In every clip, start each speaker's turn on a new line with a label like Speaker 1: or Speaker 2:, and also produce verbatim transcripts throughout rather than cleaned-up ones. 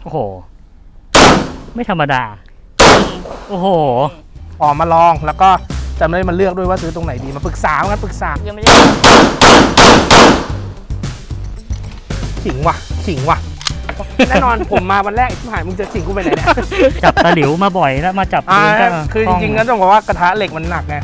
Speaker 1: อ้โหไม่ธรรมดาโอ้โห
Speaker 2: ออกมาลองแล้วก็จำได้มาเลือกด้วยว่าซื้อตรงไหนดีมาปรึกษากันปรึกษา
Speaker 3: ยังไม่ได้
Speaker 2: ขิงว่ะขิงว่ะแน่นอนผมมาวันแรกที่หายมึงจะขิงกูไปไหนเนี่ย
Speaker 1: จับตะหลิวมาบ่อยแล้วมาจับปืนก็
Speaker 2: คือจริงๆก็ต้องบอกว่ากระทะเหล็กมันหนักไง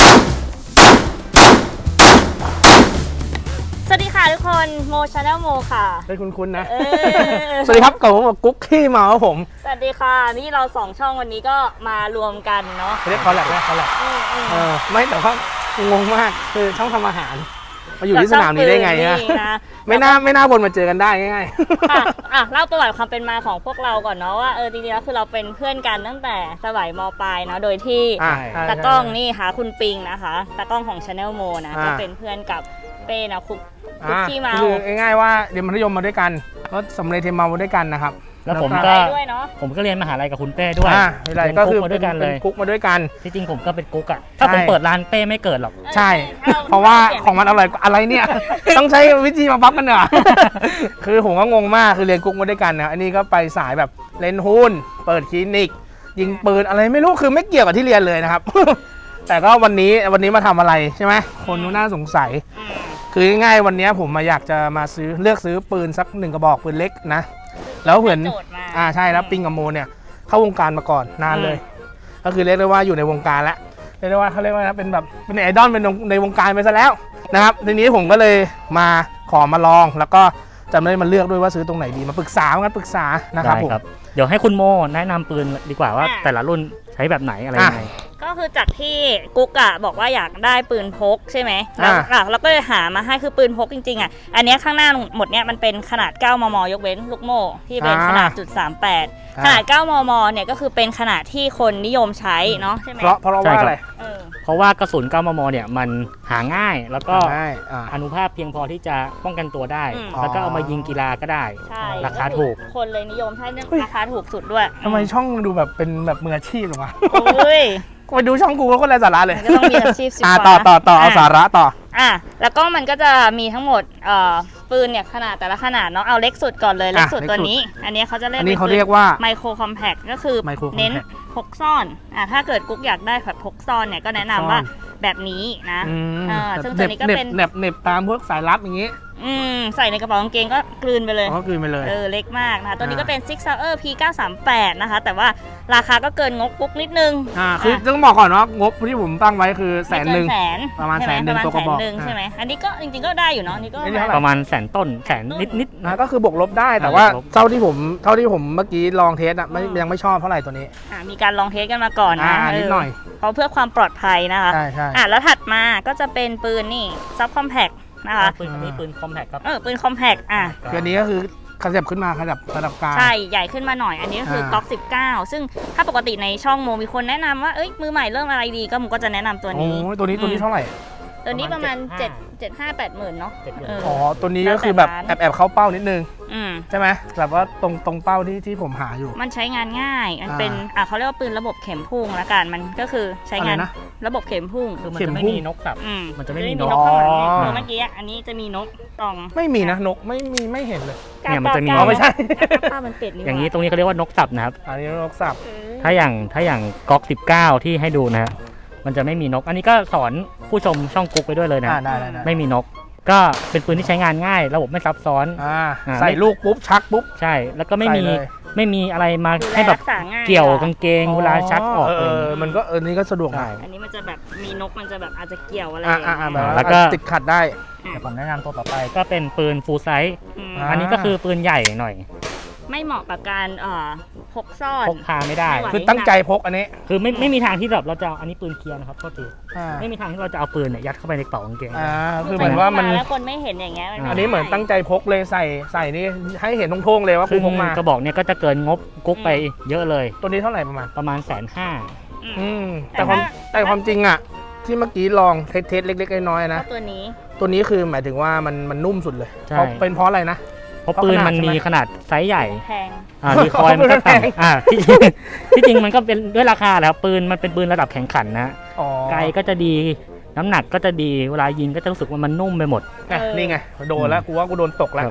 Speaker 3: สวัสดีค่ะทุกคนโมชาแนลโมค่ะ
Speaker 2: เป็นคุ้นๆนะสวัสดีครับกับผมกุ๊กขี้เมาครับผม
Speaker 3: สวัสดีค่ะนี่เราสองช่องวันนี้ก็มารวมกันเนาะ
Speaker 2: เรียกเขาแหละเรียกเขาแหละเออไม่แต่ว่างงมากคือช่องทำอาหารมาอยู่ที่สนามนี้ได้ไงนะไม่น่าไม่น่าวนมาเจอกันได้ง่าย
Speaker 3: ๆค่ะอ่ะเล่าประวัติความเป็นมาของพวกเราก่อนเนาะว่าเออจริงๆแล้วคือเราเป็นเพื่อนกันตั้งแต่สมัยม.ปลายเนาะโดยที่ตากล้องนี่ค่ะคุณปิงนะคะตากล้องของ Channel Mo นะก็เป็นเพื่อนกับเป้นะคุกคุกขี้เมา
Speaker 2: คือง่ายๆว่าเรียนมัธยมมาด้วยกันก็สำเร็จเทมมาด้วยกันนะครับ
Speaker 1: แล้วผมก็ผมก็เรียนมหาลัยกับคุณเป้ด้วย
Speaker 2: อะไรก็คือมาด้วยกันเลยกุ๊กมาด้วยกัน
Speaker 1: ที่จริงผมก็เป็นกุ๊กอ่ะถ้าผมเปิดร้านเป้ไม่เกิดหรอก
Speaker 2: ใช่เพราะว่าของมันอร่อยอะไรเนี่ยต้องใช้วิธีมาปั๊บกันเหรอคือผมก็งงมากคือเรียนกุ๊กมาด้วยกันนะอันนี้ก็ไปสายแบบเล่นหุ้นเปิดคลินิกยิงปืนอะไรไม่รู้คือไม่เกี่ยวกับที่เรียนเลยนะครับแต่ก็วันนี้วันนี้มาทำอะไรใช่ไหมคนน่าสงสัยคือง่ายๆวันนี้ผมมาอยากจะมาซื้อเลือกซื้อปืนสักหนึ่งกระบอกปืนเล็กนะแล้วเหมือนอ่าใช่แล้วปิงกับโมเนี่ยเข้าวงการมาก่อนนานเลยก็คือเรียกได้ว่าอยู่ในวงการแล้วเรียกได้ว่าเขาเรียกว่าเป็นแบบเป็นไอดอลเป็นในวงการไปซะแล้วนะครับทีนี้ผมก็เลยมาขอมาลองแล้วก็จำได้มาเลือกด้วยว่าซื้อตรงไหนดีมาปรึกษากันปรึกษานะครับผม
Speaker 1: เดี๋ยวให้คุณโมแนะนำปืนดีกว่าว่าแต่ละรุ่นใช้แบบไหนอะไรยังไง
Speaker 3: ก็คือจากที่กุ๊กอ่ะบอกว่าอยากได้ปืนพกใช่ไหมแล้วเราก็เลยหามาให้คือปืนพกจริงๆอ่ะอันนี้ข้างหน้าหมดเนี้ยมันเป็นขนาดเก้ามมยกเว้นลูกโม่ที่เป็นขนาดจุดสามแปดขนาดเก้ามมเนี่ยก็คือเป็นขนาดที่คนนิยมใช้เนาะใช่ไหม
Speaker 2: เพราะเพราะว่าอะไร
Speaker 1: เพราะว่ากระสุนเก้ามมเนี่ยมันหาง่ายแล้วก็อนุภาพเพียงพอที่จะป้องกันตัวได้แล้วก็เอามายิงกีฬาก็ได้ราคาถูก
Speaker 3: คนเลยนิยมใช้เรื่องราคาถูกสุดด้วย
Speaker 2: ทำไมช่องดูแบบเป็นแบบมืออาชีพหรอวะไปดูช่องกูแล้วก็ไร้สาระเลย
Speaker 3: ก็ต้องมีอาชีพสิ
Speaker 2: อ่าต่อต่อต่อเอาสาระต่อ
Speaker 3: อ่ะแล้วก็มันก็จะมีทั้งหมดเอ่อปืนเนี่ยขนาดแต่ละขนาดเนาะเอาเล็กสุดก่อนเลยเล็กสุดตัวนี้อันนี้เขาจะเรียก
Speaker 2: อันนี้เขาเรียกว่า
Speaker 3: ไมโครคอมแพคก็คือเน้นพกซ่อนอ่ะถ้าเกิดกุ๊กอยากได้แบบพกซ่อนเนี่ยก็แนะนำว่าแบบนี้นะ
Speaker 2: อ่าซึ่งตัวนี้ก็เป็นเน็บเน็บตามพวกสายลับอย่างงี้
Speaker 3: อืมใส่ในกระเป๋ากางเกงก็กลืนไปเลย
Speaker 2: ก็กลืนไปเลย
Speaker 3: เออเล็กมากนะคะตัวนี้ก็เป็น Sig Sauer พี เก้าสามแปด นะคะแต่ว่าราคาก็เกินงบกุ๊กนิดนึง
Speaker 2: อ่าคือต้องบอกก่อนว่างบที่ผมตั้งไว้คือแสนหนึ่งประมาณแสนหนึ่งตัวกระบอก
Speaker 3: ใช่ไหมอันนี้ก็จริงๆก็ได้อยู่เนาะนี่ก็
Speaker 1: ประมาณแสนต้นแสนนิด
Speaker 2: ๆนะก็คือบวกลบได้แต่ว่าเท่าที่ผมเท่าที่ผมเมื่อกี้ลองเทสอ่ะยังไม่ชอบเท่าไหร่ตัวนี้
Speaker 3: อ่ามีการลองเทสกันมาก่อนนะ
Speaker 2: นิดหน่อย
Speaker 3: เพราะเพื่อความปลอดภัยนะคะ
Speaker 2: ใช่ใช่
Speaker 3: อ่าแล้วถัดมาก็จะเป็นปืนนี่ซับคอมแพคนะคะ
Speaker 1: ปืนนี้ปืนคอมแพคครับ
Speaker 3: เออปืนคอมแพคอ่ะ
Speaker 2: คืออันนี้ก็คือขยับขึ้นมาขยับระดับกลาง
Speaker 3: ใช่ใหญ่ขึ้นมาหน่อยอันนี้ก็คือก๊อกสิบเก้าซึ่งถ้าปกติในช่องโมมีคนแนะนำว่าเอ้ยมือใหม่เริ่มอะไรดีก็โมก็จะแนะนำตัวนี้
Speaker 2: โอ้ตัวนี้ตัวนี้เท่าไหร่
Speaker 3: ตัวนี้ประมาณเจ็ด เจ็ด ห้า แปดหมื่นเนาะ
Speaker 2: อ๋อตัวนี้ก็คือแบบแอบแอบเข้าเป้านิดนึงใช่ไหมแบบว่าตรงตรงเป้าที่ที่ผมหาอยู่
Speaker 3: มันใช้งานง่ายมันเป็นอ่ะเขาเรียกว่าปืนระบบเข็มพุ่งละกันมันก็คือใช้งานระบบเข็มพุ่ง
Speaker 1: คือมันจะไม่มีนกสับมันจะไม่มีนก
Speaker 3: ข้างหลังเมื่อกี้อันนี้จะมีนกตอง
Speaker 2: ไม่มีนะนกไม่มีไม่เห็นเลย
Speaker 1: เนี่ยมันจะมี
Speaker 2: ไม่ใช่
Speaker 3: ป้ามันเป็ด
Speaker 1: อย่างนี้ตรงนี้เขาเรียกว่านกสับนะครับ
Speaker 2: อันนี้นกสับ
Speaker 1: ถ้าอย่างถ้าอย่างก๊อกสิบเก้าที่ให้ดูนะฮะมันจะไม่มีนกอันนี้ก็สอนผู้ชมช่องกุ๊กไปด้วยเลยนะไม่มีนกก็เป็นปืนที่ใช้งานง่ายระบบไม่ซับซ้อน
Speaker 2: ใส่ลูกปุ๊บชักปุ๊บ
Speaker 1: ใช่แล้วก็ไม่มีไม่มีอะไรมาให้แบบเกี่ยวกางเกงเวลาชักออก
Speaker 2: เออมันก็เออนี่ก็สะดวก
Speaker 3: อันนี้มันจะแบบมีนกมันจะแบบอาจจะเกี่ยวอะไร
Speaker 2: แล้วก็ติดขัดได้
Speaker 1: แต่ผมแนะนำตัวต่อไปก็เป็นปืนฟูลไซส์อันนี้ก็คือปืนใหญ่หน่อย
Speaker 3: ไม่เหมาะกับการพกซ่อน
Speaker 1: พกพาไม่ได้
Speaker 2: คือตั้งใจพกอันนี้
Speaker 1: คือไม่ไม่มีทางที่แบบเราจะอันนี้ปืนเคลียร์นะครับโทษทีไม่มีทางที่เราจะเอาปืนเนี่ยยัดเข้าไปในกระเป๋ากางเกง
Speaker 2: อ่าคือเหมือนว่ามัน
Speaker 3: แล้วคนไม่เห็นอย่างเงี้ย
Speaker 2: อันนี้เหมือนตั้งใจพกเลยใส่ใส่นี่ให้เห็นทงๆเลยว่ากูพกมาก
Speaker 1: ระบอกเนี่ยก็จะเกินงบกุ๊กไปเยอะเลย
Speaker 2: ตัวนี้เท่าไหร่ประมาณ
Speaker 1: ประมาณแสนห้า
Speaker 2: อืมแต่ความแต่ความจริงอ่ะที่เมื่อกี้ลองเทสเทสเล็กๆน้อยๆนะ
Speaker 3: ตัวนี้
Speaker 2: ตัวนี้คือหมายถึงว่ามันมันนุ่มสุดเลยเป็นเพราะอะไรนะ
Speaker 1: เพราะปืนมันมีขนาดไซส์ใหญ่
Speaker 3: แพง
Speaker 1: อ่ารีคอยล์มันก็ต่ำอ่าที่ที่จริงมันก็เป็นด้วยราคาแล้วปืนมันเป็นปืนระดับแข่งขันนะไกลก็จะดีน้ำหนักก็จะดีเวลายิงก็จะรู้สึกว่ามันนุ่มไปหมด
Speaker 2: นี่ไงโดนแล้วกูว่ากูโดนตกแล้ว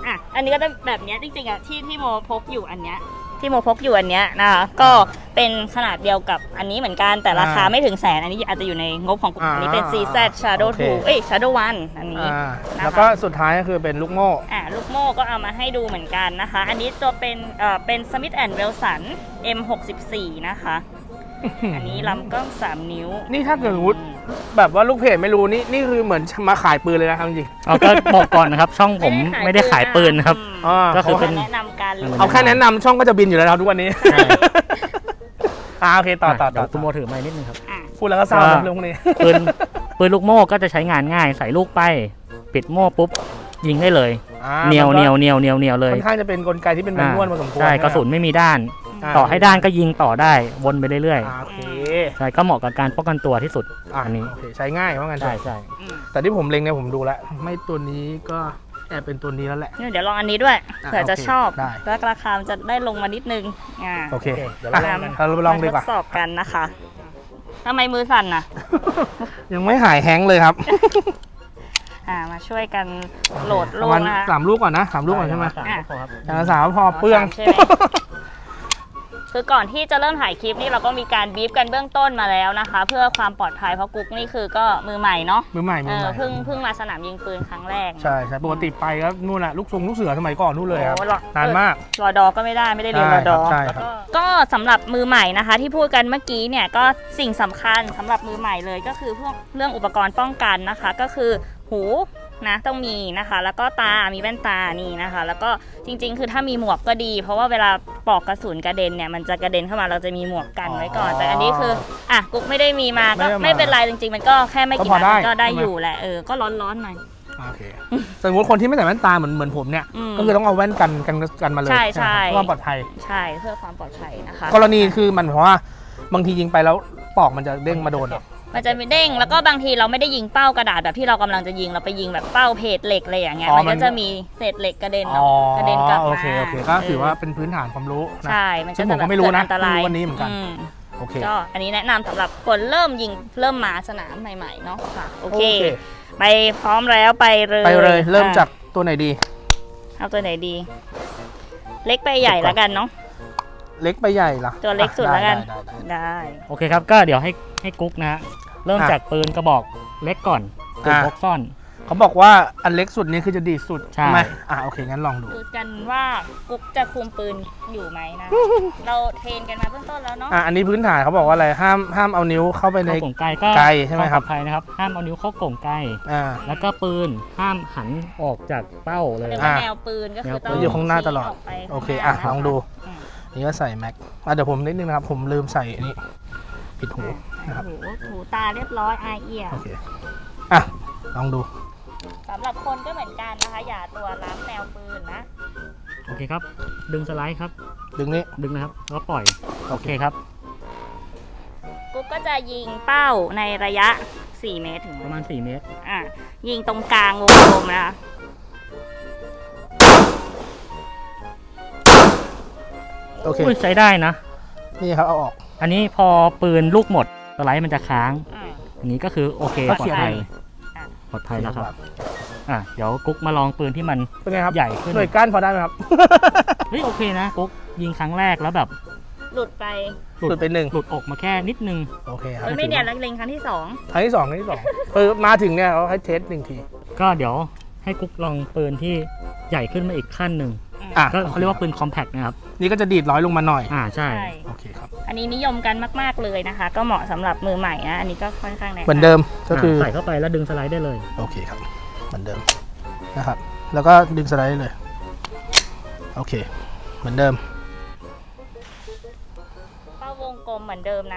Speaker 3: อ่ะอันนี้ก็จะแบบเนี้ยจริงๆอ่ะที่ที่โมพกอยู่อันเนี้ยที่โมพกอยู่อันเนี้ยนะคะก็เป็นขนาดเดียวกับอันนี้เหมือนกันแต่ราคาไม่ถึงแสนอันนี้อาจจะอยู่ในงบของกลุ่มอันนี้เป็น ซี แซด Shadow ทู เอ้ย Shadow วันอันนี้
Speaker 2: อ่า
Speaker 3: นะคะ
Speaker 2: แล้วก็สุดท้ายก็คือเป็นลูกโม่
Speaker 3: อ่ะลูกโม่ก็เอามาให้ดูเหมือนกันนะคะ อันนี้ตัวเป็นเอ่อเป็น Smith แอนด์ Wesson เอ็ม หกสิบสี่ นะคะ อันนี้ลำกล้องสามนิ้ว
Speaker 2: นี่ถ้าเกิดสมมุติแบบว่าลูกเพจไม่รู้นี่นี่คือเหมือนมาขายปืนเลยนะครับจริง
Speaker 1: เอาก็บอกก่อนนะครับ ช่องผมไม่ได้ขายปืนนะครับ
Speaker 2: ๆอ่า
Speaker 1: ก็คือ
Speaker 3: เป็
Speaker 1: เป็น น
Speaker 3: แนะนำการรีวิว
Speaker 2: เอาแค่แนะนำช่องก็จะบินอยู่แล้วครับทุกวันนี้
Speaker 1: ใช่
Speaker 2: อ่าโอเคต่อต่อ
Speaker 1: เดี๋
Speaker 2: ต่
Speaker 1: ย
Speaker 2: อ
Speaker 1: วคุณโมถือไม้นิดนึงครับ
Speaker 3: อ่ะ
Speaker 2: พูดแล้วก็เศร้า
Speaker 1: ก็
Speaker 2: ครับเรื่องพวกนี้
Speaker 1: ปืนปืนลูกโม่ก็จะใช้งานง่าย ใส่ลูกไป ปิดโม่ปุ๊บ ยิงได้เลย
Speaker 2: อ่า
Speaker 1: เหนียว
Speaker 2: มั
Speaker 1: เห
Speaker 2: ก็
Speaker 1: นียวเหนียวเหนียวเหนียวเลย
Speaker 2: ค่อนข้างจะเป็นกลไกที่เป็นแมนนวลพอสมควร
Speaker 1: ใช่
Speaker 2: ไหม
Speaker 1: กระสุนไม่มีด้าน
Speaker 2: อ่า
Speaker 1: ต่อให้ด้านก็ยิงต่อได้วนไปเรื่อย
Speaker 2: อ่าโอเค
Speaker 1: ๆใช่ก็เหมาะกับการป้องกันตัวที่สุด
Speaker 2: อ่า
Speaker 1: อันนี้
Speaker 2: โอเคใช้ง่ายว่างั้นเถ
Speaker 1: ใช่
Speaker 2: อะ
Speaker 1: ใช่
Speaker 3: อืม
Speaker 2: แต่ที่ผมเล็งเนี่ยผมดูแล้ว ไม่ตัวนี้ก็แอบเป็นตัวนี้แล้วแหละ
Speaker 3: เนี่ยเดี๋ยวลองอันนี้ด้วย
Speaker 2: อ่ะ
Speaker 3: เผื่อจะ
Speaker 2: โอเค
Speaker 3: ชอบ
Speaker 2: ได้
Speaker 3: แล้วราคามันจะได้ลงมานิดนึงอ่า
Speaker 2: โอเค
Speaker 1: เดี๋ยว
Speaker 2: อ่ะ
Speaker 1: เราลองกัน
Speaker 2: เราไปลองดีกว่า
Speaker 3: ทดสอบกันนะคะทำไมมือสั่นน่ะ
Speaker 2: ยังไม่หายแฮงก์เลยครับ
Speaker 3: อ่ามาช่วยกันโหลด
Speaker 2: ป
Speaker 3: ลู
Speaker 2: ระ
Speaker 3: ก
Speaker 2: มาณ
Speaker 3: นะคะ
Speaker 2: สามลูกก่อนนะสามลูกก่อนใช่ไหม
Speaker 1: สามลูกพอครับ
Speaker 2: อย่างละสามพอเปลือง
Speaker 3: สามใช่ไหม คือก่อนที่จะเริ่มถ่ายคลิปนี่เราก็มีการบีฟกันเบื้องต้นมาแล้วนะคะ เพื่อความปลอดภัยเพราะกุ๊กนี่คือก็มือใหม่เนาะ
Speaker 2: มือใหม่
Speaker 3: เอ
Speaker 2: มือ
Speaker 3: อ
Speaker 2: ใหม่
Speaker 3: เพิ่งเพิ่งมาสนามยิงปืนครั้งแรก
Speaker 2: ใช่ใช่ปกติไปก็นู่นแหละลูกทรงลูกเสือสมัยก่อนนู่นเลยครับ
Speaker 3: โอ้หรอน
Speaker 2: านมาก
Speaker 3: รอดอก็ไม่ได้ไม่ได้เรียนรอดอ
Speaker 2: ใช่ครับ
Speaker 3: ก็สำหรับมือใหม่นะคะ ที่พูดกันเมื่อกี้เนี่ยก็สิ่งสำคัญสำหรับมือใหม่เลยก็คือพวกเรื่องอุปกรณ์ป้องกันนะคะ ก็คือหูนะต้องมีนะคะ แล้วก็ตา มีแว่นตานี่นะคะ แล้วก็จริงๆ คือถ้ามีหมวกก็ดี เพราะว่าเวลาปลอกกระสุนกระเด็นเนี่ยมันจะกระเด็นเข้ามาเราจะมีหมวกกันไว้ก่อน แต่อันนี้คืออ่ะกุ๊กไม่ได้มีมาก็
Speaker 2: ไม่ได้มา
Speaker 3: ไม่เป็นไรจริงๆ มันก็แค่ไม่กี่
Speaker 2: ก็พอ
Speaker 3: นัด
Speaker 2: ได้
Speaker 3: มันก็ได้
Speaker 2: ใช่ไหม
Speaker 3: อยู่แหละเออก็ร้อนๆหน่อย
Speaker 2: โอเคสมมติคนที่ไม่ใส่แว่นตาเหมือนเหมือนผมเนี่ย
Speaker 3: อืม
Speaker 2: ก็คือต้องเอาแว่นกันกันกันมาเลย
Speaker 3: ใช่ใช่
Speaker 2: เพื่อความปลอดภัย
Speaker 3: ใช่เพื่อความปลอดภัยนะคะ
Speaker 2: กรณีคือมันเพราะว่าบางทียิงไปแล้วปอกมันจะเด้งมาโดน
Speaker 3: มันจะมีเด้งแล้วก็บางทีเราไม่ได้ยิงเป้ากระดาษแบบที่เรากำลังจะยิงเราไปยิงแบบเป้าเพจเหล็กอะไรอย่างเงี้ย
Speaker 2: อ๋อ
Speaker 3: มัน
Speaker 2: มั
Speaker 3: ก็
Speaker 2: น
Speaker 3: จะมีเศษเหล็กกระเด็น
Speaker 2: อ๋อ
Speaker 3: เนาะกระเด็นกลับมา
Speaker 2: โอเคโอเคก็ถือว่าเป็นพื้นฐานความรู้นะ
Speaker 3: ใช่มัน
Speaker 2: ซึ่
Speaker 3: ก็
Speaker 2: งผ
Speaker 3: จะ
Speaker 2: ม
Speaker 3: แบ
Speaker 2: ก็
Speaker 3: บ
Speaker 2: ไม่รู้
Speaker 3: เกิด
Speaker 2: นะ
Speaker 3: อันตราย
Speaker 2: รู้วันนี้เหมือนกัน
Speaker 3: อืม
Speaker 2: โอเค
Speaker 3: ก็อันนี้แนะนำสำหรับคนเริ่มยิงเริ่มมาสนามใหม่ๆเนาะค่ะโอเค ไปพร้อมแล้วไปเลย
Speaker 2: ไปเลยเริ่ม
Speaker 3: อ่ะ
Speaker 2: จากตัวไหนดี
Speaker 3: เอาตัวไหนดี เล็กไปใหญ่แล้วกันเนาะ
Speaker 2: เล็กไปใหญ่ล่ะ
Speaker 3: ตัวเล็กสุดแล้วกัน
Speaker 2: ได้ได้ได้
Speaker 3: ได้
Speaker 1: โอเคครับ ก็เดี๋ยวให้ให้กุ๊กนะฮะ เริ่ม
Speaker 2: อ่ะ
Speaker 1: จากปืนกระบอกเล็กก่อนปืน
Speaker 2: อ่ะ
Speaker 1: พกซ่อน
Speaker 2: เขาบอกว่าอันเล็กสุดนี้คือจะดีดสุด
Speaker 1: ใช่
Speaker 2: ไหมอ่ะโอเคงั้นลองดู
Speaker 3: ดูกันว่ากุ๊กจะคุมปืนอยู่ไหมนะ เราเทรนกันมาเบื้องต้นแล้วเนาะ
Speaker 2: อ่ะอันนี้พื้นฐานเขาบอกว่าอะไรห้ามห้ามเอานิ้วเข้าไปใน
Speaker 1: เข้ากล่องไกลก็
Speaker 2: ไกลใช่ไหมครับ
Speaker 1: วาปลอดภัยนะครับ ห้ามเอานิ้วเข้ากล่องไกล
Speaker 2: อ่า
Speaker 1: แล้วก็ปืนห้ามหันออกจากเป้าเลย
Speaker 3: เรียกว่า
Speaker 2: อ่ะ
Speaker 3: แนวปืนก็คือ
Speaker 1: แนวปืน
Speaker 3: ต้อง
Speaker 2: อยู่ข้างหน้าตลอด
Speaker 3: ชี้กไป
Speaker 2: โอเค
Speaker 3: ข้างหน้า
Speaker 2: อ่ะลองดู
Speaker 3: อืม
Speaker 2: นี่ก็ใส่แม็กอ่ะเดี๋ยวผมนิดนึงนะครับ ผมลืมใส่อันนี้ปิดหูนะครับ
Speaker 3: โอ้โหถูตาเรียบร้อยอายเอี่ย
Speaker 2: โอเคอ่ะลองดู
Speaker 3: สำหรับคนก็เหมือนกันนะคะ อย่าตัวล้ำแนวปืนนะ
Speaker 1: โอเคครับ ดึงสไลด์ครับ
Speaker 2: ดึงนี้
Speaker 1: ดึงนะครับ แล้วปล่อย โอเคครับ
Speaker 3: กุ๊กก็จะยิงเป้าในระยะสี่เมตรถึง
Speaker 1: ประมาณสี่เมตร
Speaker 3: อ่ะยิงตรงกลางวงกลมนะคะ
Speaker 2: โอเค
Speaker 1: อุ้ยใช้ได้นะ
Speaker 2: นี่ครับเอาออก
Speaker 1: อันนี้พอปืนลูกหมดสไลด์มันจะค้าง
Speaker 3: อืม
Speaker 1: อันนี้ก็คือโอเค
Speaker 2: ก็
Speaker 1: ปลอ
Speaker 2: เขีย
Speaker 1: ด
Speaker 2: น
Speaker 1: ภัย
Speaker 3: อ่ะ
Speaker 1: ปลอดภัยแล้วครับ อ่ะเดี๋ยวกุ๊กมาลองปืนที่มัน
Speaker 2: เป็นไงครับ
Speaker 1: ใหญ่ขึ้น
Speaker 2: หน่วยก้านพอได้ไหมครับ
Speaker 1: เฮ้ยโอเคนะกุ๊กยิงครั้งแรกแล้วแบบ
Speaker 3: หลุดไป
Speaker 2: หลุดไปหนึ่ง
Speaker 1: หลุดอกมาแค่นิดนึง
Speaker 2: โอเคครับ
Speaker 3: เอ้ยไม่เนี่ยแล้วเล็งครั้งที่สอง
Speaker 2: ครั้งที่สองครั้งที่สองเออมาถึงเนี่ยเขาให้เทสหนึ่งที
Speaker 1: ก็เดี๋ยวให้กุ๊กลองปืนที่ใหญ่ขึ้นมาอีกขั้นหนึ่ง
Speaker 2: อ่ะ
Speaker 1: ก็เขาเรียกว่าปืนคอมแพคนะครับ
Speaker 2: นี่ก็จะดีดร้อยลงมาหน่อย
Speaker 1: อ่าใช่
Speaker 3: ใช่
Speaker 2: โอเคครับ
Speaker 3: อันนี้นิยมกันมากๆเลยนะคะ ก็เหมาะสำหรับมือใหม่นะอันนี้ก็ค่อนข้างแนะนำ
Speaker 2: เหมือนเดิมก็คือ
Speaker 1: ใส่เข้าไปแล้วดึงสไลด์ได้เลย
Speaker 2: โอเคครับเหมือนเดิมนะครับ แล้วก็ดึงสไลด์ได้เลยโอเค เหมือนเดิม
Speaker 3: เป้าวงกลมเหมือนเดิมนะ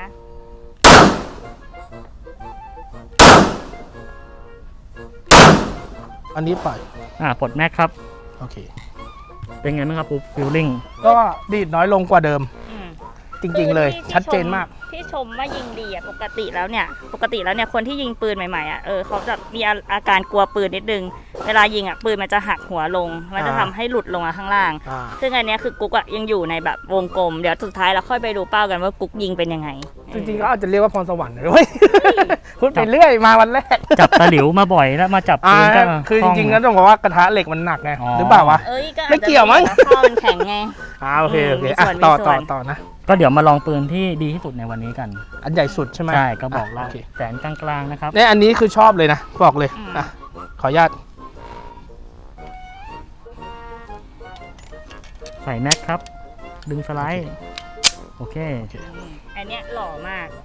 Speaker 2: อันนี้ปล่อย
Speaker 1: อ่าปลดแม็กครับ
Speaker 2: โอเค
Speaker 1: เป็นไงบ้างครับปุ๊บฟิลลิ่ง
Speaker 2: ก็ดีดน้อยลงกว่าเดิม
Speaker 3: อืม
Speaker 2: จริง ๆ เลย
Speaker 3: ที่ที่
Speaker 2: ชัดเจนมาก
Speaker 3: ที่ชชมว่ายิงดีอ่ะปกติแล้วเนี่ยปกติแล้วเนี่ยคนที่ยิงปืนใหม่ๆอ่ะเออเขาจะมีอาการกลัวปืนนิดนึงเวลายิงอ่ะปืนมันจะหักหัวลงมันจะทำให้หลุดลงมาข้างล่างซึ่งอันนี้คือกุ๊กอ่ะยังอยู่ในแบบวงกลมเดี๋ยวสุดท้ายเราค่อยไปดูเป้ากันว่ากุ๊กยิงเป็นยังไง
Speaker 2: จริงๆก็อาจจะเรียกว่าพรสวรรค์เลยพูดไปเรื่อยมาวันแรก
Speaker 1: จับตะหลิวมาบ่อยแล้วมาจับปืนก็
Speaker 2: คือจริงๆก็ต้องบอกว่ากระทะเหล็กมันหนักไงหรือเปล่าวะไม่เกี่ยวมั้ง
Speaker 3: ข้อมันแข็งไง
Speaker 2: อ่าโอเคโอเคอ่ะต่อต่อต่อนะ
Speaker 1: ก็เดี๋ยวมาลองปืนที่ดีที่สุดในวันนี้กัน
Speaker 2: อันใหญ่สุดใช่ไหม
Speaker 1: ใช่ก็บอกแล้วแสนกลางๆนะครับ
Speaker 2: เนี่ยอันนี้คือชอบเลยนะบอกเลยอ่ะขออนุญาต
Speaker 1: ใส่แม็กครับดึงสไลด์โอเค
Speaker 3: อันเนี้ยหล่อมาก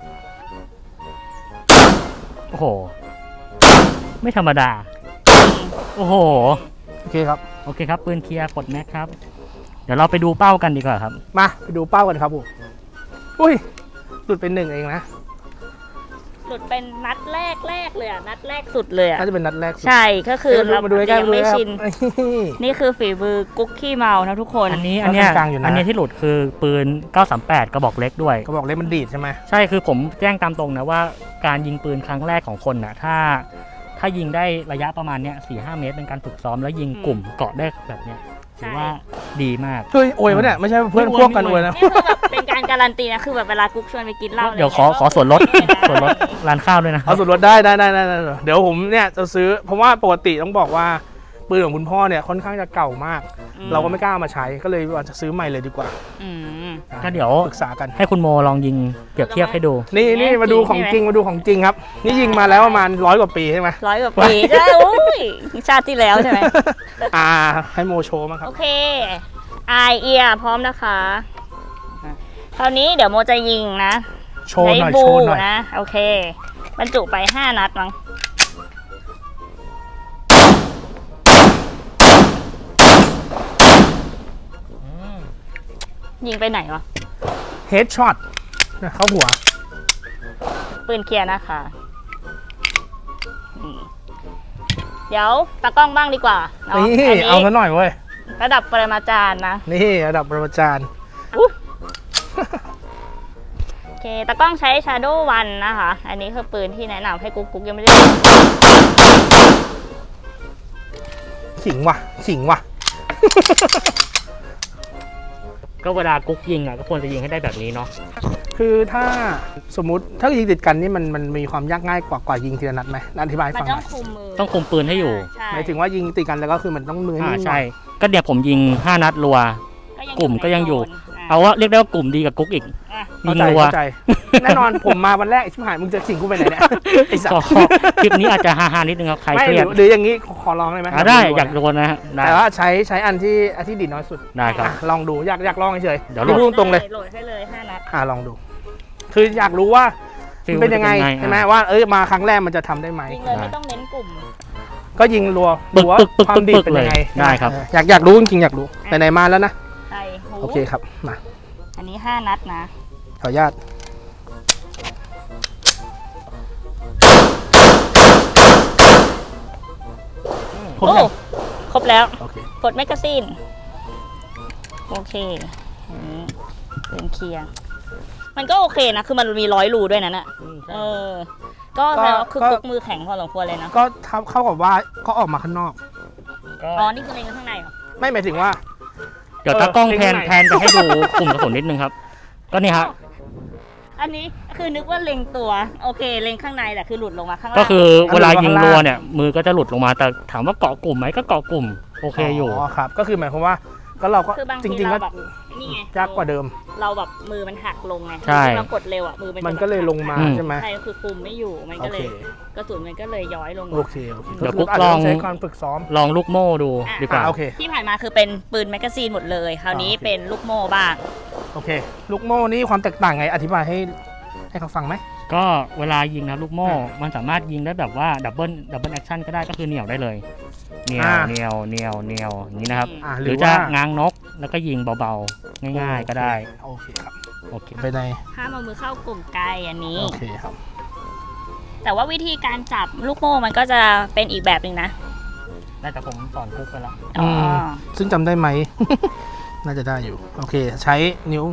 Speaker 1: โอ้โหไม่ธรรมดาโอ้โห
Speaker 2: โอเคครับ
Speaker 1: โอเคครับปืนเคลียร์ปลดแม็กครับเดี๋ยวเราไปดูเป้ากันดีกว่าครับ
Speaker 2: มาไปดูเป้ากันครับผมอุ้ยหลุดเป็นหนึ่งเองนะ
Speaker 3: หลุดเป็นนัดแรกแรกเลยอ่ะนัดแรกสุดเลยอ่ะ
Speaker 2: น่าจะเป็นนัดแรก
Speaker 3: ใช่ก็คือเรายังไม่ชินนี่คือฝีมือกุ๊กขี้เมานะทุกคน
Speaker 1: อันนี้อันนี้อันนี้ที่หลุดคือปืนเก้าสามแปดกระบอกเล็กด้วย
Speaker 2: กระบอกเล็กมันดีดใช่ไหม
Speaker 1: ใช่คือผมแจ้งตามตรงนะว่าการยิงปืนครั้งแรกของคนน่ะถ้าถ้ายิงได้ระยะประมาณเนี้ยสี่ห้าเมตรเป็นการฝึกซ้อมแล้วยิงกลุ่มเกาะได้แบบเนี้ยถือว่าดีมาก
Speaker 2: คือโอยวะเนี่ยไม่ใช่เพื่อนพวกกันอวยนะ
Speaker 3: นี่คือแบบเป็นการการันตีนะคือแบบเวลากุ๊กชวนไปกินเหล้า
Speaker 1: เดี๋ยวขอขอส่วนลดส่วนลดร้านข้าวด้วยนะ
Speaker 2: เอาส่วนลดได้ได้ได้ได้เดี๋ยวผมเนี่ยจะซื้อเพราะว่าปกติต้องบอกว่าปืนของคุณพ่อเนี่ยค่อนข้างจะเก่ามากเราก็ไม่กล้ามาใช้ก็เลยว่าจะซื้อใหม่เลยดีกว่า
Speaker 1: ก็เดี๋ยว
Speaker 2: ปรึกษากัน
Speaker 1: ให้คุณโมลองยิงเปรียบเทียบให้ดู
Speaker 2: นี่นี่มาดูของจริงมาดูของจริงครับนี่ยิงมาแล้วประมาณร้อยกว่าปีใช่ไหม
Speaker 3: ร้อยกว่าปีใช่โอ้ยชาติที่แล้วใช่ไหม
Speaker 2: อ่าให้โมโชว์มั้งครับ
Speaker 3: โอเคไอเอียพร้อมนะคะคราวนี้เดี๋ยวโมจะยิงนะ
Speaker 2: โชว์หน่อยโชว์หน่อย
Speaker 3: นะโอเคบรรจุไปห้านัดมั้งยิงไปไหนวะ
Speaker 2: เฮดช็อตเข้าหัว
Speaker 3: ปืนเคลียร์นะคะเดี๋ยวตากล้องบ้างดีกว่า
Speaker 2: นี่เอาซะหน่อยเว้ย
Speaker 3: ระดับปรมาจารย์นะ
Speaker 2: นี่ระดับปรมาจารย์
Speaker 3: โอเคตากล้องใช้ Shadow วันนะคะอันนี้คือปืนที่แนะนำให้กุ๊กกุ๊กยังไม่ได้
Speaker 2: ขิงว่ะขิงว่ะ
Speaker 1: ก็เวลากุ๊กยิงอ่ะก็ควรจะยิงให้ได้แบบนี้เนาะ
Speaker 2: คือถ้าสมมุติถ้ายิงติดกันนี่มันมันมีความยากง่ายกว่ากว่ายิงทีละนัดไหมอธิบายฟังหน่อย
Speaker 3: ต้องคุมมือ
Speaker 1: ต้องคุมปืนให้อยู่
Speaker 2: หมายถึงว่ายิงติดกันแล้วก็คือมันต้องมือนิ่ง
Speaker 1: ใช่ก็เดี๋ยวผมยิงห้านัดรัวกลุ่มก็ยังอยู่เอาว่าเรียกได้ว่ากลุ่มดีกับกุ๊กอีก
Speaker 2: ยิงรัวแน่นอนผมมาวันแรกชิบหายมึงจะสิงกูไปไหนเนี่ยไอ้สัส
Speaker 1: คลิปนี้อาจจะฮาๆนิดนึงครับใครเครียด
Speaker 2: หรืออย่างนี้ขอลองได้ไหม
Speaker 1: ได้อยากโดนนะฮะ
Speaker 2: แต่ว่าใช้ใช้อันที่อันที่ดีน้อยสุด
Speaker 1: ได้ครับ
Speaker 2: ลองดูอยากอยากลองเฉย
Speaker 1: เดี๋ยว
Speaker 2: พูดตรงเลย
Speaker 3: โหลดให้เลยห้านัด
Speaker 2: อ่าลองดูคืออยากรู้ว่าเป็นยังไงใช่ไหมว่าเอ้ยมาครั้งแรกมันจะทำได้ไหม
Speaker 3: ยิงเลยไม่ต้องเน้นกลุ่ม
Speaker 2: ก็ยิงรัวดูว่าความดีเป็นยังไง
Speaker 1: ได้ครับ
Speaker 2: อยากอยากรู้จริงๆอยากรู้ไหนๆมาแล้วนะโอเคครับมา
Speaker 3: อันนี้ห้านัดนะ
Speaker 2: ขออนุญาต
Speaker 3: ครบแล้วครบแล้วกดแมกกาซีนโอเคเป็นเคลียร์มันก็โอเคนะคือมันมีร้อยรูด้วยนะน่ะเออก็แล้วคือกุ๊กมือแข็งพอสมควรเลยนะ
Speaker 2: ก็เข้ากับว่าก็ออกมาข้างนอก
Speaker 3: อ๋อนี่คือเล็งข้างในเหรอ
Speaker 2: ไม่หมายถึงว่า
Speaker 1: เดี๋ยวตากล้องแพนแพนไปให้ดูกลุ่มกระสุนนิดนึงครับก็นี่ครับ
Speaker 3: อันนี้คือนึกว่าเล็งตัวโอเคเล็งข้างในแต่คือหลุดลงมาข้างล่าง
Speaker 1: ก็คือเวลายิงรัวเนี่ยมือก็จะหลุดลงมาแต่ถามว่าเกาะกลุ่มไหมก็เกาะกลุ่มโอเคอยู่
Speaker 2: อ๋อครับก็คือหมายความว่าก็เราก็จริงๆก็
Speaker 3: นี่ไง
Speaker 2: ยากกว่าเดิม
Speaker 3: เราแบบมือมันหักลงไงเรากดเร็วอ่ะมือ
Speaker 2: มันก็เลยลงมาใช่ไหม
Speaker 3: ใช่คือคุมไม่อยู่มันก็เลยกระสุนมันก็เลยย้อยลง
Speaker 2: โอเค
Speaker 1: เดี๋ยวกุ๊กลอง
Speaker 2: ใช้การฝึกซ้อม
Speaker 1: ลองลูกโม่ดูดีกว่า
Speaker 3: ที่ผ่านมาคือเป็นปืนแมกกาซีนหมดเลยคราวนี้เป็นลูกโม่บ้าง
Speaker 2: โอเคลูกโม่นี่ความแตกต่างไงอธิบายให้ให้เขาฟังไหม
Speaker 1: ก็เวลายิงนะลูกโม่มันสามารถยิงได้แบบว่าดับเบิลดับเบิลแอคชั่นก็ได้ก็คือเหนี่ยวได้เลยเหนี่ยวเหนี่ยวเหนี่ยวเหนี่ยวอย่างนี้นะครับหรือจะง้างนกแล้วก็ยิงเบาๆง่ายๆก็ได้
Speaker 2: โอเคครับ
Speaker 1: โอเค
Speaker 2: ไปใน
Speaker 3: ห้ามเอามือเข้ากลุ่มไกลอันนี้
Speaker 2: โอเคครับ
Speaker 3: แต่ว่าวิธีการจับลูกโม่มันก็จะเป็นอีกแบบหนึ่งนะ
Speaker 1: น่าจะผมสอนกุ๊กไปแล้ว
Speaker 2: ซึ่งจำได้ไหมน่าจะได้อยู่โอเคใช้นิ้ว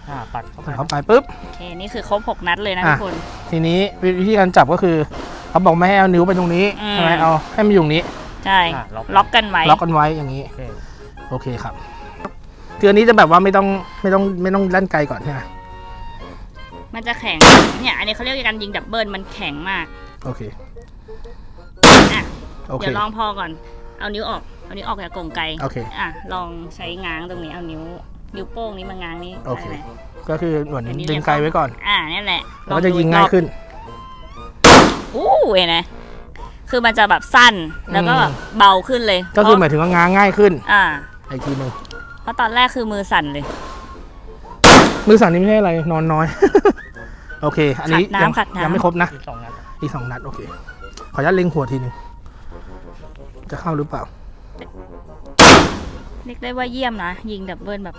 Speaker 1: อ่าปัดเข้าไป
Speaker 2: เข้าไปปุ๊บ
Speaker 3: โอเคนี่คือครบหกนัดเลยนะ
Speaker 2: อ่ะ
Speaker 3: ทุกคน
Speaker 2: ทีนี้วิธีการจับก็คือเขาบอกไม่ให้เอานิ้วไปตรงนี้
Speaker 3: อืม
Speaker 2: ใช่ไหมเอาให้มันอยู่ตรงนี้
Speaker 3: ใช่
Speaker 1: อ่ะล็อก
Speaker 3: ล็อกกันไว้
Speaker 2: ล็อกกันไว้อย่างนี้
Speaker 1: โอเค
Speaker 2: โอเคครับคืออันนี้จะแบบว่าไม่ต้องไม่ต้องไม่ต้องลั่นไกลก่อนใช่ไหม
Speaker 3: มันจะแข็งเนี่ยอันนี้เขาเรียกการยิงดับเบิลมันแข็งมาก
Speaker 2: โอเค
Speaker 3: อ่ะ
Speaker 2: โอเค
Speaker 3: เดี๋ยวลองพอก่อนเอานิ้วออกเอานิ้วออกจากกรงไก
Speaker 2: โอเค
Speaker 3: อ่ะลองใช้ง้างตรงนี้เอานิ้วนิ้วโป้งนี้มาง้างนี้
Speaker 2: โอเค
Speaker 3: ได้ไหม
Speaker 2: ก็คือเหมือน
Speaker 3: เดี๋ยวนี้
Speaker 2: ดึงไกลไว้ก่อน
Speaker 3: อ่านี่แหละ
Speaker 2: แล้วก็จะยิงง่ายขึ้น
Speaker 3: อู้เห็นไหมคือมันจะแบบสั้นแล้วก็แบบเบาขึ้นเลย
Speaker 2: ก็คือหมายถึงว่าง้างง่ายขึ้น
Speaker 3: อ่า
Speaker 2: อีกทีหนึ่ง
Speaker 3: เพราะตอนแรกคือมือสั่นเลย
Speaker 2: มือสั่นนี่ไม่ใช่อะไรนอนน้อย โอเค อันนี้
Speaker 3: ขัดน้ำ
Speaker 2: ยัง
Speaker 3: ขัดน้ำ
Speaker 2: ยังไม่ครบนะ
Speaker 1: อีกสองนัด
Speaker 2: อีกสองนัดโอเค ขออนุญาตเล็งหัวทีหนึ่งจะเข้าหรือเปล่า
Speaker 3: เรียกได้ว่าเยี่ยมนะ ยิงดับเบิลแบบ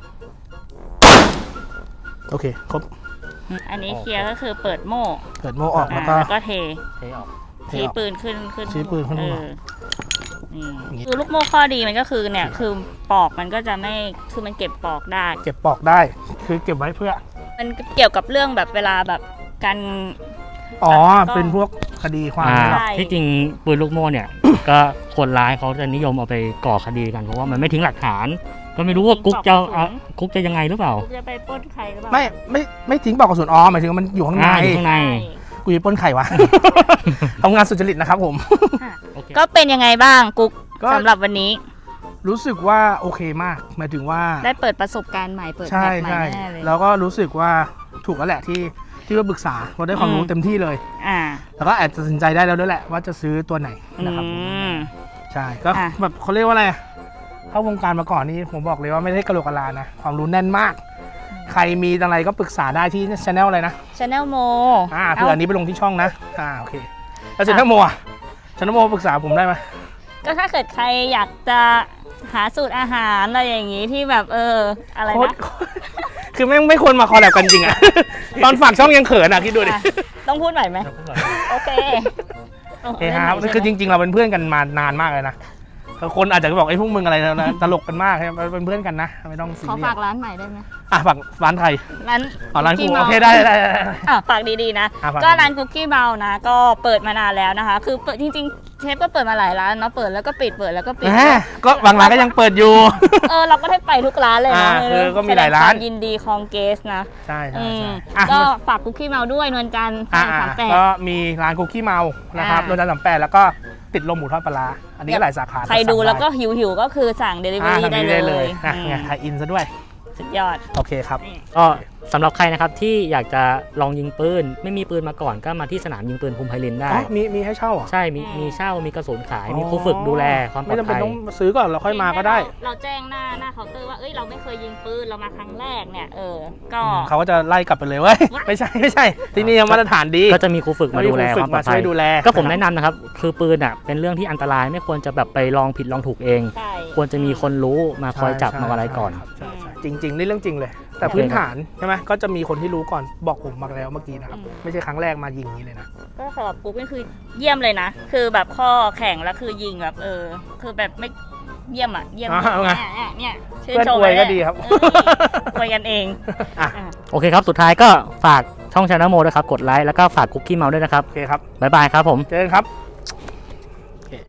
Speaker 2: โอเค ครบ
Speaker 3: อันนี้เคลียร์ก็คือเปิดโม่
Speaker 2: เปิดโม่ออกแล้วก็
Speaker 3: อ่าแล้วก็เท
Speaker 1: เทออก
Speaker 2: เท
Speaker 3: ชี้
Speaker 2: ออก
Speaker 3: ปืนขึ้นขึ้น
Speaker 2: ชี้ปืนขึ้น
Speaker 3: เอ
Speaker 2: หัว
Speaker 3: อนี่
Speaker 2: อย่างงี้
Speaker 3: คือลูกโม่ข้อดีมันก็คือเนี่ยคือปอกมันก็จะไม่คือมันเก็บปอกได้
Speaker 2: เก็บปอกได้ คือเก็บไว้เพื่อ
Speaker 3: มันเกี่ยวกับเรื่องแบบเวลาแบบการ
Speaker 2: อ๋อ
Speaker 3: ก็
Speaker 2: เป็นพวกคดีความ
Speaker 1: อ่า
Speaker 2: เนี่ย
Speaker 3: ใช่
Speaker 1: ที่จริงปืนลูกโม่เนี่ย ก็คนร้ายเขาจะนิยมเอาไปก่อคดีกันเพราะว่ามันไม่ทิ้งหลักฐาน ก็ไม่รู้ว่ากุ๊กจะอ่ะกุ๊กจะยังไงหรือเปล่า
Speaker 3: จะไปปล้นใครหรือเปล่า
Speaker 2: ไม่ไม่ไม่ทิ้งปอกกระสุนอ๋อหมายถึงว่ามันอยู่ข้างใน
Speaker 1: อ่าอยู่ข้างใน
Speaker 3: ใช่
Speaker 2: กูจะปล้นไข่วะ ทำงานสุจริตนะครับผม
Speaker 1: โอเค
Speaker 3: ก็เป็นยังไงบ้างกุ๊ก
Speaker 2: ก็
Speaker 3: สำหรับวันนี้
Speaker 2: รู้สึกว่าโอเคมาก หมายถึงว่า
Speaker 3: ได้เปิดประสบการณ์ใหม่เปิด
Speaker 2: ใช่
Speaker 3: แมปใหม่
Speaker 2: ใช่
Speaker 3: แน่เลย
Speaker 2: แล้วก็รู้สึกว่าถูกแล้วแหละที่ที่ว่าปรึกษาเราได้ความรู้
Speaker 3: อืม
Speaker 2: เต็มที่เลย
Speaker 3: อ่า
Speaker 2: แล้วก็แอบตัดสินใจได้แล้วด้วยแหละว่าจะซื้อตัวไหน
Speaker 3: อื
Speaker 2: นะครับ
Speaker 3: ม
Speaker 2: ใช่ก็
Speaker 3: อ่ะ
Speaker 2: แบบเขาเรียกว่าอะไรเข้าวงการมาก่อนนี่ผมบอกเลยว่าไม่ได้กระโหลกกะลานะ ความรู้แน่นมาก ใครมีอะไรก็ปรึกษาได้ที่ช anel อะไรนะ
Speaker 3: ชาแนลโม
Speaker 2: อ่าเผื่ออันนี้ไปลงที่ช่องนะอ่าโอเคแล้วช anel โมอ่ะช anel โมปรึกษาผมได้ไหม
Speaker 3: ก็ถ้าเกิดใครอยากจะหาสูตรอาหารอะไรอย่างนี้ที่แบบเอออะไร
Speaker 2: โคตร
Speaker 3: นะ
Speaker 2: คือแม่งไม่ควรมาคอลแลบกันจริงอะ ตอนฝากช่องยังเขินอ่ะคิดดูดิ
Speaker 3: อ่ะต้องพูดหน่อยไหมโอเค
Speaker 2: โอเคครับคือจริงๆ เราเป็นเพื่อนกันมานานมากเลยนะคนอาจจะบอกไอ้พวกมึงอะไรนะตลกกันมากครับเป็นเพื่อนกันนะไม่ต้องซี
Speaker 3: ขอ
Speaker 2: เรีย
Speaker 3: ฝา
Speaker 2: ส
Speaker 3: กร้านใหม่ได้ไหม
Speaker 2: อ่ะฝากร้านไทย
Speaker 3: ร้าน
Speaker 2: อ๋อร้านกู
Speaker 3: Cookie
Speaker 2: โอ
Speaker 3: Mouse
Speaker 2: เคได้ได้ได้ได้
Speaker 3: อ่ะฝากดีๆนะ
Speaker 2: อ่ะฝาก
Speaker 3: ก็ร้านคุกกี้เมานะ ก็เปิดมานานแล้วนะคะ คือเปิดจริงๆเชฟก็เปิดมาหลายร้านเนาะเปิดแล้วก็ปิดเปิดแล้วก็ปิด
Speaker 2: แหมก็บางร้านก็ยังเปิดอยู่
Speaker 3: เออเราก็ได้ไปทุกร้านเลยนะ
Speaker 2: อ่าคือก็มีหลายร้าน
Speaker 3: แสดงควมยินดีคองเกสนะ
Speaker 2: ใช่ใช่
Speaker 3: อืม
Speaker 2: ใช่อ่ะ
Speaker 3: ก็ฝากคุกกี้เมาด้วยนวลจันทร์
Speaker 2: อ่ะ
Speaker 3: สามแปด
Speaker 2: ก็มีร้านคุกกี้เมานะครับ
Speaker 3: อ่า
Speaker 2: โดนจันทร์สามแปดแล้วก็ติดลมหมูทอดปลาร้าอันนี้ก็หลายสาขา
Speaker 3: ใครดู
Speaker 2: สั่งไ
Speaker 3: แล้วก็หิวหิวๆก็คือสั่งเดลิเวอ
Speaker 2: อ่า
Speaker 3: รี่
Speaker 2: ทำ
Speaker 3: ได้
Speaker 2: นี้
Speaker 3: เล
Speaker 2: ได้เลย
Speaker 3: ย
Speaker 2: อ่ะ
Speaker 3: อืม
Speaker 2: ไงไทยอินซะด้วย
Speaker 3: สุดยอด
Speaker 2: โอเคครับ
Speaker 1: ก็สำหรับใครนะครับที่อยากจะลองยิงปืนไม่มีปืนมาก่อนก็มาที่สนามยิงปืนภูมิไพรินได้
Speaker 2: อ๋อมีมีให้เช่าเหรอ
Speaker 1: ใช่มีมีเช่ามีกระสุนขาย มีครูฝึกดูแลความปล
Speaker 2: ไม่
Speaker 1: อด
Speaker 2: จำเป็น
Speaker 1: ภัย
Speaker 2: ต้องซื้อก่อนเราค่อยมาก็ได้
Speaker 3: เราเราแจ้งหน้าหน้าเคาน์เตอร์ว่าเอ้ยเราไม่เคยยิงปืนเรามาครั้งแรกเนี่ยเออก็
Speaker 2: เขาก็จะไล่กลับไปเลยเว้ย ไม่ใช่ไม่ใช่ ที่นี่ยังมาตรฐานดี
Speaker 1: ก็จะมีครูฝึกมาดูแล
Speaker 2: ฝึ
Speaker 1: ควาก มปล
Speaker 2: มา
Speaker 1: อด
Speaker 2: ช่
Speaker 1: ภั
Speaker 2: วย
Speaker 1: ย
Speaker 2: ดูแล
Speaker 1: ก็ผมแนะนำนะครับ คือปืนอ่ะเป็นเรื่องที่อันตรายไม่ควรจะแบบไปลองผิดลองถูกเอง
Speaker 3: ใช่
Speaker 1: ควรจะมีคนรู้มาคอยจับ
Speaker 2: ใช่
Speaker 1: มาอะไรก่อน
Speaker 2: ใช่ใช่จริง ๆ นี่เรื่องจริงเลย แต่
Speaker 1: โอเค
Speaker 2: พื้นฐานใช่ไหมก็จะมีคนที่รู้ก่อนบอกผมมาแล้วเมื่อกี้นะครับ
Speaker 3: อืม
Speaker 2: ไม่ใช่ครั้งแรกมายิงอย่างนี้เลยนะ
Speaker 3: ก็สำหรับกูก็คือเยี่ยมเลยนะ คือแบบข้อแข่งแล้วคือยิงแบบเออ คือแบบไม่เยี่ยมอ่ะเยี่ยม
Speaker 2: อ่าเอาไง
Speaker 3: เนี่ยเนี่ยชื่น
Speaker 2: เพื่อน
Speaker 3: ชม
Speaker 2: อวยก็
Speaker 3: เลย
Speaker 2: ดีครับ
Speaker 3: เอออวยกันเอง
Speaker 2: อ่ะ
Speaker 3: อ่ะ
Speaker 1: โอเคครับ สุดท้ายก็ฝากช่องชาแนลโมด้วยครับ กดไลค์แล้วก็ฝากคุกกี้เมาด้วยนะครับ
Speaker 2: โอเคครับ
Speaker 1: บ๊ายบายครับผม
Speaker 2: เจอกันครับ